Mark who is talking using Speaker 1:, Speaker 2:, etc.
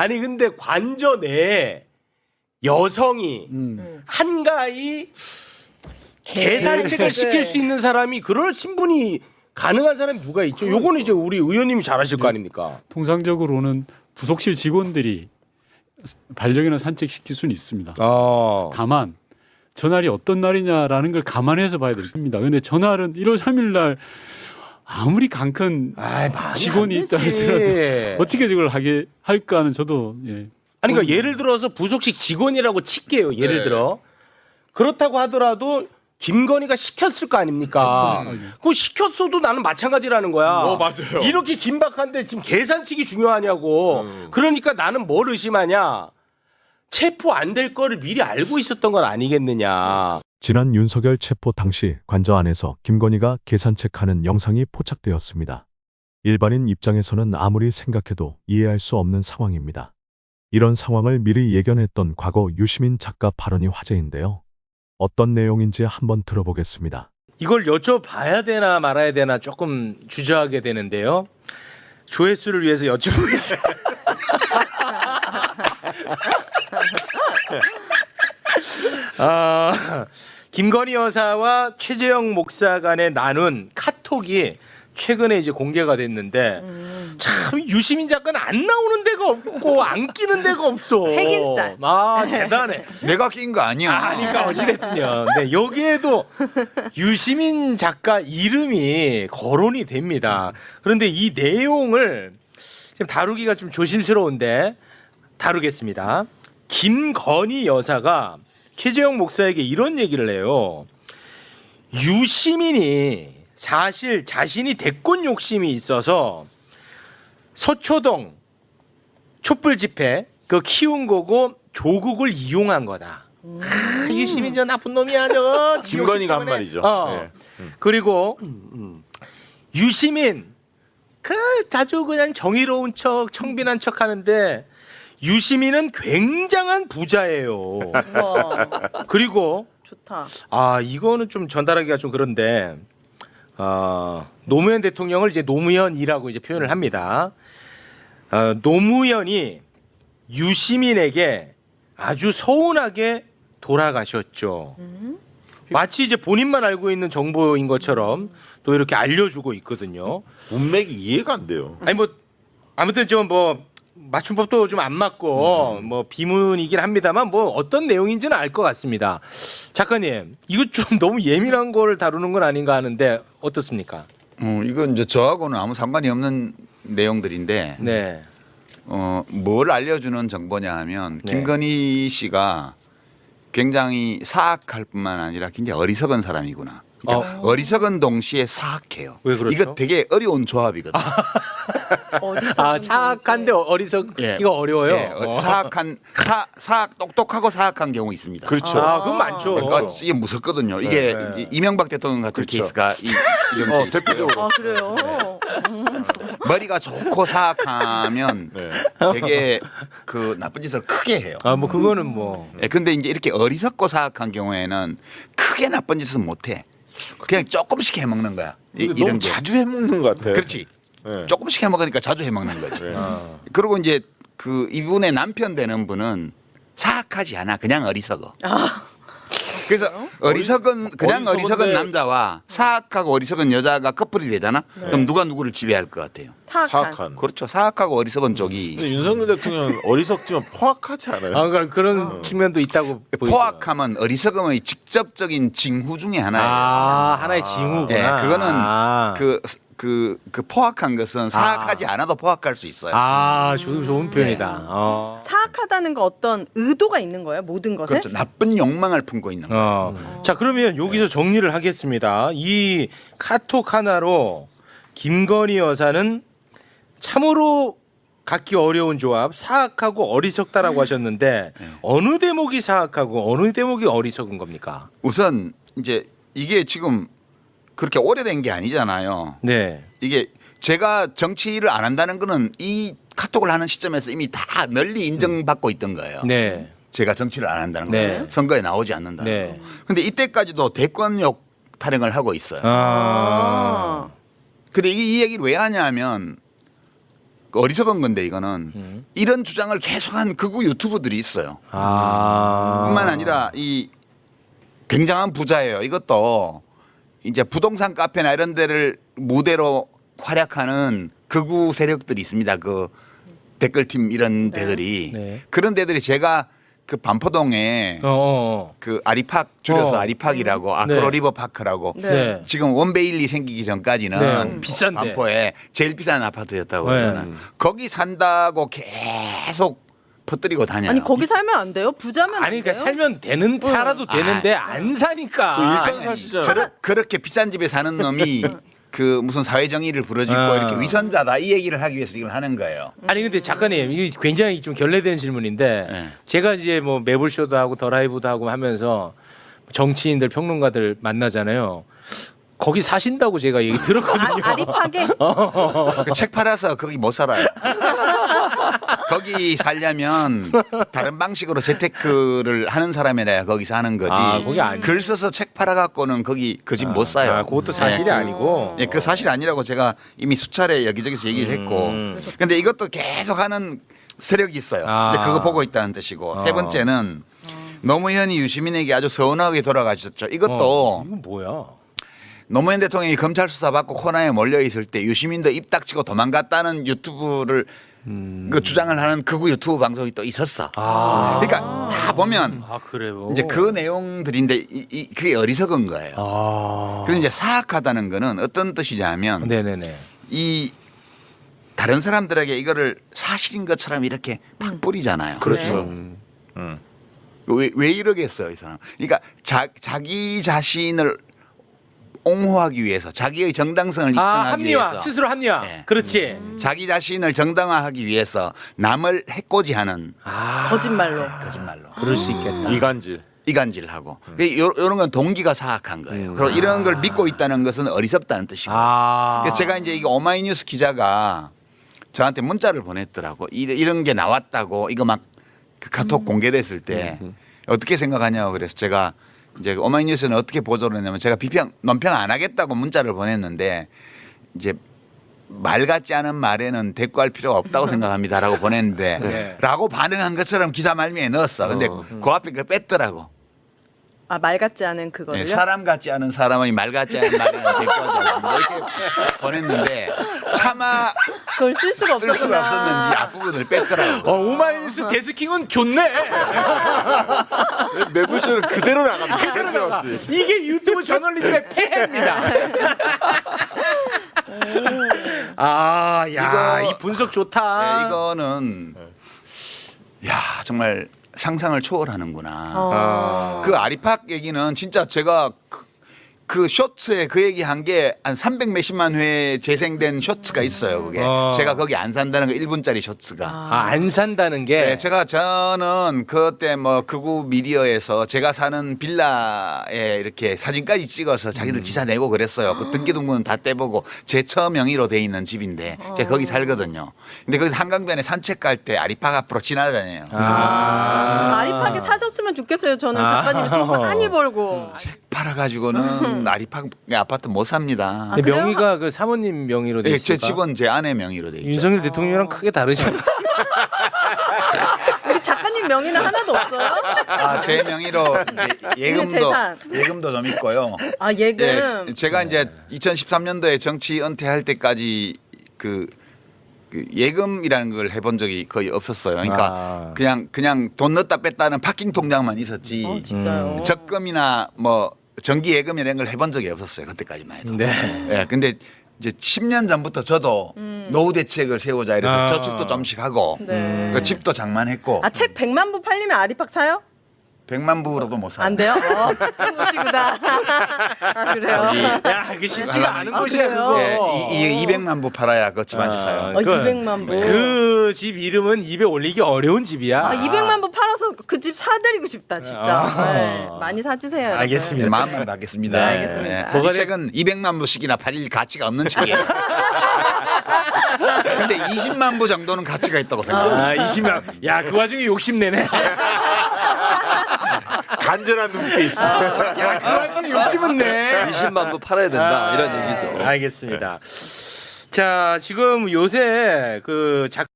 Speaker 1: 아니 근데 관저 내에 여성이 한가히 계산책을 시킬 수 있는 사람이 그럴 신분이 가능한 사람이 누가 있죠? 요거는 이제 우리 의원님이 잘하실 거 아닙니까?
Speaker 2: 통상적으로는 부속실 직원들이 반려견을 산책시킬 수는 있습니다. 다만 전날이 어떤 날이냐라는 걸 감안해서 봐야 됩니다. 그런데 전날은 1월 3일 날 아무리 강큰 직원이 있다 하더라도 어떻게 이걸 하게 할까는 저도
Speaker 1: 아니 그러니까 예를 들어서 부속실 직원이라고 칠게요. 예를 들어 그렇다고 하더라도 김건희가 시켰을 거 아닙니까? 그거 시켰어도 나는 마찬가지라는 거야.
Speaker 3: 맞아요.
Speaker 1: 이렇게 긴박한데 지금 계산칙이 중요하냐고. 그러니까 나는 뭘 의심하냐? 체포 안 될 거를 미리 알고 있었던 건 아니겠느냐.
Speaker 4: 지난 윤석열 체포 당시 관저 안에서 김건희가 계산책하는 영상이 포착되었습니다. 일반인 입장에서는 아무리 생각해도 이해할 수 없는 상황입니다. 이런 상황을 미리 예견했던 과거 유시민 작가 발언이 화제인데요. 어떤 내용인지 한번 들어보겠습니다.
Speaker 1: 이걸 여쭤봐야 되나 말아야 되나 조금 주저하게 되는데요. 조회수를 위해서 여쭤보겠습니다. 김건희 여사와 최재형 목사 간에 나눈 카톡이 최근에 이제 공개가 됐는데 참 유시민 작가는 안 나오는 데가 없고 안 끼는 데가 없어.
Speaker 5: 핵인살.
Speaker 1: 대단해.
Speaker 3: 내가 낀 거 아니야.
Speaker 1: 그러니까 어찌됐든요. 네, 여기에도 유시민 작가 이름이 거론이 됩니다. 그런데 이 내용을 지금 다루기가 좀 조심스러운데 다루겠습니다. 김건희 여사가 최재형 목사에게 이런 얘기를 해요. 유시민이 사실 자신이 대권 욕심이 있어서 서초동 촛불 집회 그 키운 거고 조국을 이용한 거다. 유시민 저 나쁜 놈이야 저.
Speaker 3: 김건희가 한 말이죠.
Speaker 1: 그리고 유시민 그 자주 그냥 정의로운 척 청빈한 척 하는데 유시민은 굉장한 부자예요. 그리고
Speaker 5: 좋다.
Speaker 1: 이거는 좀 전달하기가 좀 그런데 노무현 대통령을 이제 노무현이라고 이제 표현을 합니다. 노무현이 유시민에게 아주 서운하게 돌아가셨죠. 마치 이제 본인만 알고 있는 정보인 것처럼 또 이렇게 알려주고 있거든요.
Speaker 3: 문맥이 이해가 안 돼요.
Speaker 1: 아니 뭐 아무튼 좀 뭐 맞춤법도 좀 안 맞고 뭐 비문이긴 합니다만 뭐 어떤 내용인지는 알 것 같습니다. 작가님 이거 좀 너무 예민한 걸 다루는 건 아닌가 하는데 어떻습니까?
Speaker 6: 이건 이제 저하고는 아무 상관이 없는 내용들인데
Speaker 1: 네.
Speaker 6: 뭘 알려주는 정보냐 하면
Speaker 1: 네.
Speaker 6: 김건희 씨가 굉장히 사악할 뿐만 아니라 굉장히 어리석은 사람이구나. 그러니까 어리석은 동시에 사악해요.
Speaker 1: 왜 그렇죠?
Speaker 6: 이거 되게 어려운 조합이거든.
Speaker 1: 사악한데 어리석기가 어려워요.
Speaker 6: 예, 사악한 사악 똑똑하고 사악한 경우 있습니다.
Speaker 3: 그렇죠.
Speaker 1: 그건 많죠.
Speaker 6: 그러니까 이게 무섭거든요. 이게
Speaker 1: 네.
Speaker 6: 이명박 대통령 같은
Speaker 3: 그렇죠.
Speaker 6: 케이스가 이런 케이스.
Speaker 3: 대표적으로.
Speaker 5: 그래요?
Speaker 6: 머리가 좋고 사악하면
Speaker 3: 네.
Speaker 6: 되게 그 나쁜 짓을 크게 해요.
Speaker 1: 뭐 그거는 뭐.
Speaker 6: 예, 근데 이제 이렇게 어리석고 사악한 경우에는 크게 나쁜 짓은 못 해. 그냥 조금씩 해먹는 거야.
Speaker 3: 근데
Speaker 6: 이런
Speaker 3: 너무
Speaker 6: 게.
Speaker 3: 자주 해먹는 것 같아.
Speaker 6: 그렇지.
Speaker 3: 네.
Speaker 6: 조금씩 해먹으니까 자주 해먹는 거지.
Speaker 3: 네.
Speaker 6: 그리고 이제 그 이분의 남편 되는 분은 사악하지 않아. 그냥 어리석어. 그래서 어리석은 그냥 어리석은
Speaker 3: 어리석은데-
Speaker 6: 남자와 사악하고 어리석은 여자가 커플이 되잖아. 그럼 누가 누구를 지배할 것 같아요?
Speaker 3: 사악한.
Speaker 6: 그렇죠. 사악하고 어리석은 쪽이
Speaker 3: 근데 윤석열 대통령은 어리석지만 포악하지 않아요.
Speaker 1: 그러니까 그런 측면도 있다고 보이죠.
Speaker 6: 포악함은 어리석음의 직접적인 징후 중에 하나예요.
Speaker 1: 하나의 징후구나.
Speaker 6: 예, 그거는 그 포악한 것은 사악하지 않아도 포악할 수 있어요.
Speaker 1: 좋은 표현이다.
Speaker 5: 사악하다는 거 어떤 의도가 있는 거예요? 모든 것에?
Speaker 6: 그렇죠. 나쁜 욕망을 품고 있는 거예요.
Speaker 1: 자 그러면 여기서 정리를 하겠습니다. 이 카톡 하나로 김건희 여사는 참으로 갖기 어려운 조합, 사악하고 어리석다라고 하셨는데 어느 대목이 사악하고 어느 대목이 어리석은 겁니까?
Speaker 6: 우선 이제 이게 지금 그렇게 오래된 게 아니잖아요.
Speaker 1: 네.
Speaker 6: 이게 제가 정치를 안 한다는 거는 이 카톡을 하는 시점에서 이미 다 널리 인정받고 있던 거예요.
Speaker 1: 네.
Speaker 6: 제가 정치를 안 한다는 거,
Speaker 1: 네.
Speaker 6: 선거에 나오지 않는다는
Speaker 1: 네.
Speaker 6: 거. 근데 이때까지도 대권욕 타령을 하고 있어요.
Speaker 1: 아.
Speaker 6: 근데 이 얘기를 왜 하냐면 어리석은 건데 이거는 이런 주장을 계속한 극우 유튜버들이 있어요. 뿐만 아니라 이 굉장한 부자예요. 이것도 이제 부동산 카페나 이런 데를 무대로 활약하는 극우 세력들이 있습니다. 그 댓글팀 이런 데들이
Speaker 1: 네.
Speaker 6: 그런 데들이 제가 그 반포동에 그 아리팍 줄여서 아리팍이라고 아크로
Speaker 1: 네.
Speaker 6: 리버파크라고
Speaker 1: 네.
Speaker 6: 지금 원베일리 생기기 전까지는
Speaker 1: 네. 비싼데.
Speaker 6: 반포에 제일 비싼 아파트였다고
Speaker 1: 네.
Speaker 6: 그러잖아요. 거기 산다고 계속 퍼뜨리고 다녀요.
Speaker 5: 아니 거기 살면 안 돼요? 부자면 안
Speaker 1: 아니
Speaker 5: 돼요?
Speaker 1: 그러니까 살면 되는 살아도 되는데 안 사니까.
Speaker 3: 그 일산 사시잖아요.
Speaker 6: 그렇게 비싼 집에 사는 놈이 그 무슨 사회 정의를 부르짖고 이렇게 위선자다 이 얘기를 하기 위해서 이걸 하는 거예요.
Speaker 1: 아니 근데 작가님 이게 굉장히 좀 결례된 질문인데
Speaker 6: 네.
Speaker 1: 제가 이제 뭐 매불쇼도 하고 더 라이브도 하고 하면서 정치인들 평론가들 만나잖아요. 거기 사신다고 제가 얘기 들었거든요.
Speaker 5: 아리팍에
Speaker 6: 그 책 팔아서 거기 못 살아요. 거기 살려면 다른 방식으로 재테크를 하는 사람이라야 거기서 하는 거지.
Speaker 1: 거기 아니.
Speaker 6: 글 써서 책 팔아갖고는 거기 그 집 못 사요.
Speaker 1: 그것도 사실이 아니고.
Speaker 6: 예, 그 사실 아니라고 제가 이미 수차례 여기저기서 얘기를 했고. 근데 이것도 계속 하는 세력이 있어요. 근데 그거 보고 있다는 뜻이고. 세 번째는 노무현이 유시민에게 아주 서운하게 돌아가셨죠. 이것도
Speaker 1: 이건 뭐야?
Speaker 6: 노무현 대통령이 검찰 수사 받고 코너에 몰려 있을 때 유시민도 입 닥치고 도망갔다는 유튜브를 그 주장을 하는 극우 유튜브 방송이 또 있었어. 그러니까 다 보면
Speaker 1: 그래요.
Speaker 6: 이제 그 내용들인데 그게 어리석은 거예요. 그리고 이제 사악하다는 거는 어떤 뜻이냐면
Speaker 1: 네네네.
Speaker 6: 이 다른 사람들에게 이거를 사실인 것처럼 이렇게 막 뿌리잖아요.
Speaker 1: 그렇죠.
Speaker 6: 왜 이러겠어요, 이 사람? 그러니까 자기 자신을 옹호하기 위해서 자기의 정당성을 입증하기
Speaker 1: 합리화
Speaker 6: 위해서
Speaker 1: 스스로 합리화.
Speaker 6: 네.
Speaker 1: 그렇지.
Speaker 6: 자기 자신을 정당화하기 위해서 남을 해코지하는
Speaker 5: 거짓말로.
Speaker 6: 거짓말로
Speaker 1: 그럴 수 있겠다.
Speaker 3: 이간질.
Speaker 6: 이간질하고 이런 건 동기가 사악한 거예요. 그리고 이런 걸 믿고 있다는 것은 어리석다는 뜻이고. 그래서 제가 이제 이거 오마이뉴스 기자가 저한테 문자를 보냈더라고. 이런 게 나왔다고 이거 막 그 카톡 공개됐을 때 어떻게 생각하냐고 그래서 제가 이제 오마이뉴스는 어떻게 보도를 했냐면 제가 논평 안 하겠다고 문자를 보냈는데 이제 말 같지 않은 말에는 대꾸할 필요가 없다고 생각합니다라고 보냈는데
Speaker 1: 네.
Speaker 6: 라고 반응한 것처럼 기사 말미에 넣었어. 근데 그 앞에 그걸 뺐더라고.
Speaker 5: 말 같지 않은 그거를요?
Speaker 6: 네, 사람 같지 않은 사람의 말 같지 않은 말에는 대꾸하지 않는다. 이렇게 보냈는데 차마
Speaker 5: 그걸 쓸 수가
Speaker 6: 쓸
Speaker 5: 없었구나.
Speaker 6: 수가 없었는지 앞부분을 뺐더라고.
Speaker 1: 오마이뉴스 데스킹은 좋네.
Speaker 3: 매불쇼는 그대로 나갑니다. 그대로 없이.
Speaker 1: 이게 유튜브 저널리즘의 폐해입니다. 이 분석 좋다.
Speaker 6: 네, 이거는 야 정말 상상을 초월하는구나. 그 아리팍 얘기는 진짜 제가 그 쇼츠에 그 얘기 한 게 한 300 몇십만 회 재생된 쇼츠가 있어요. 그게 제가 거기 안 산다는 거 1분짜리 쇼츠가.
Speaker 1: 안 산다는 게.
Speaker 6: 네, 저는 그때 뭐 극우 미디어에서 제가 사는 빌라에 이렇게 사진까지 찍어서 자기들 기사 내고 그랬어요. 그 등기등본은 다 떼보고 제 처 명의로 돼 있는 집인데 제가 거기 살거든요. 근데 거기 한강변에 산책 갈 때 아리팍 앞으로 지나다녀요.
Speaker 5: 아리팍에 사셨으면 좋겠어요. 저는 작가님이 돈 많이 벌고.
Speaker 6: 팔아가지고는 아리팍 아파트 못 삽니다.
Speaker 1: 근데
Speaker 5: 그래요?
Speaker 1: 명의가 그 사모님 명의로 돼
Speaker 6: 네,
Speaker 1: 있어요.
Speaker 6: 제 집은 제 아내 명의로 돼 있죠.
Speaker 1: 윤석열 대통령이랑 크게 다르지 않아.
Speaker 5: 우리 작가님 명의는 하나도 없어요?
Speaker 6: 제 명의로 이제
Speaker 5: 재산.
Speaker 6: 예금도 좀 있고요.
Speaker 5: 예금.
Speaker 6: 네, 제가 이제 2013년도에 정치 은퇴할 때까지 그 예금이라는 걸 해본 적이 거의 없었어요. 그러니까 그냥 돈 넣었다 뺐다는 파킹 통장만 있었지.
Speaker 5: 진짜요?
Speaker 6: 적금이나 뭐 정기 예금이라는 걸 해본 적이 없었어요. 그때까지만 해도.
Speaker 1: 네.
Speaker 6: 근데 이제 10년 전부터 저도 노후 대책을 세우자 이래서 저축도 좀씩 하고
Speaker 5: 네.
Speaker 6: 집도 장만했고
Speaker 5: 책 100만 부 팔리면 아리팍 사요?
Speaker 6: 100만 부로도 못 사.
Speaker 5: 안 돼요? 비싼 곳이구나. 그래요?
Speaker 1: 야, 이게 쉽지가 않은 곳이야
Speaker 5: 그래요?
Speaker 1: 그거.
Speaker 6: 이 200만 부 팔아야 그 집한테 사요.
Speaker 5: 200만 부.
Speaker 1: 그 집 이름은 입에 올리기 어려운 집이야.
Speaker 5: 200만 부 팔아서 그 집 사드리고 싶다 진짜. 네, 많이 사주세요. 여러분.
Speaker 1: 알겠습니다.
Speaker 6: 마음만 받겠습니다.
Speaker 5: 네, 알겠습니다.
Speaker 6: 이 책은 200만 부씩이나 팔릴 가치가 없는 책이에요. 근데 20만 부 정도는 가치가 있다고 생각합니다.
Speaker 1: 20만. 야, 그 와중에 욕심내네.
Speaker 3: 간절한 눈빛.
Speaker 1: 야, 그 와중에 욕심은 내.
Speaker 7: 20만 부 팔아야 된다 이런 얘기죠.
Speaker 1: 알겠습니다. 자, 지금 요새 그